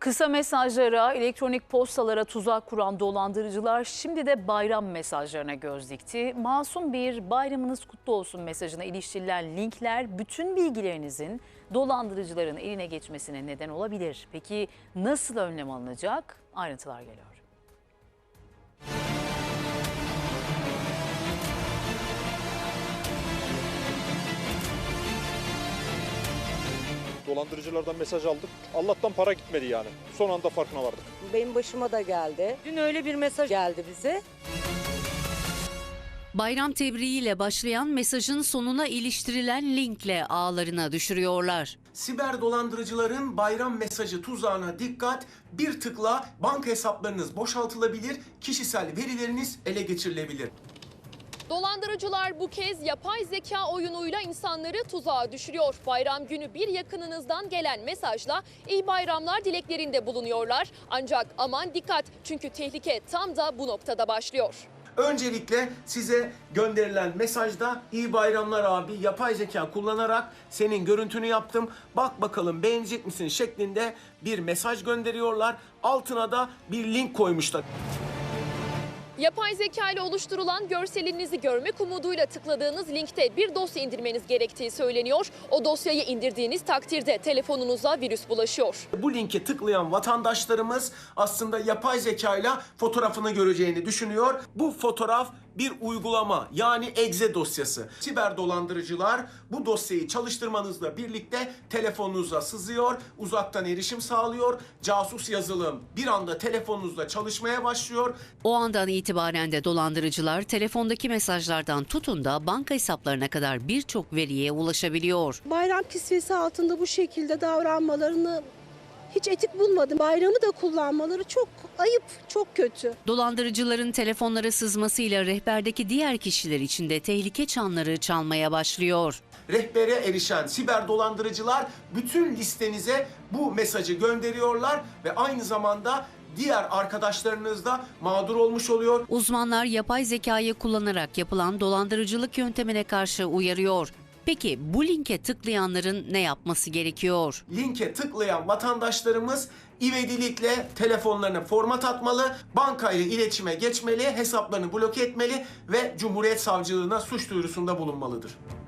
Kısa mesajlara, elektronik postalara tuzak kuran dolandırıcılar şimdi de bayram mesajlarına göz dikti. Masum bir bayramınız kutlu olsun mesajına iliştirilen linkler bütün bilgilerinizin dolandırıcıların eline geçmesine neden olabilir. Peki nasıl önlem alınacak? Ayrıntılar geliyor. Dolandırıcılardan mesaj aldık. Allah'tan para gitmedi yani. Son anda farkına vardık. Benim başıma da geldi. Dün öyle bir mesaj geldi bize. Bayram tebriğiyle başlayan mesajın sonuna iliştirilen linkle ağlarına düşürüyorlar. Siber dolandırıcıların bayram mesajı tuzağına dikkat, bir tıkla banka hesaplarınız boşaltılabilir, kişisel verileriniz ele geçirilebilir. Dolandırıcılar bu kez yapay zeka oyunuyla insanları tuzağa düşürüyor. Bayram günü bir yakınınızdan gelen mesajla iyi bayramlar dileklerinde bulunuyorlar. Ancak aman dikkat, çünkü tehlike tam da bu noktada başlıyor. Öncelikle size gönderilen mesajda iyi bayramlar abi, yapay zeka kullanarak senin görüntünü yaptım, bak bakalım beğenecek misin şeklinde bir mesaj gönderiyorlar. Altına da bir link koymuşlar. Yapay zeka ile oluşturulan görselinizi görmek umuduyla tıkladığınız linkte bir dosya indirmeniz gerektiği söyleniyor. O dosyayı indirdiğiniz takdirde telefonunuza virüs bulaşıyor. Bu linke tıklayan vatandaşlarımız aslında yapay zekayla fotoğrafını göreceğini düşünüyor. Bu fotoğraf bir uygulama, yani exe dosyası. Siber dolandırıcılar bu dosyayı çalıştırmanızla birlikte telefonunuza sızıyor, uzaktan erişim sağlıyor. Casus yazılım bir anda telefonunuzda çalışmaya başlıyor. O andan itibaren de dolandırıcılar telefondaki mesajlardan tutun da banka hesaplarına kadar birçok veriye ulaşabiliyor. Bayram kisvesi altında bu şekilde davranmalarını hiç etik bulmadım. Bayramı da kullanmaları çok ayıp, çok kötü. Dolandırıcıların telefonlara sızmasıyla rehberdeki diğer kişiler için de tehlike çanları çalmaya başlıyor. Rehbere erişen siber dolandırıcılar bütün listenize bu mesajı gönderiyorlar ve aynı zamanda diğer arkadaşlarınız da mağdur olmuş oluyor. Uzmanlar yapay zekayı kullanarak yapılan dolandırıcılık yöntemine karşı uyarıyor. Peki bu linke tıklayanların ne yapması gerekiyor? Linke tıklayan vatandaşlarımız ivedilikle telefonlarını format atmalı, bankayla iletişime geçmeli, hesaplarını bloke etmeli ve Cumhuriyet Savcılığına suç duyurusunda bulunmalıdır.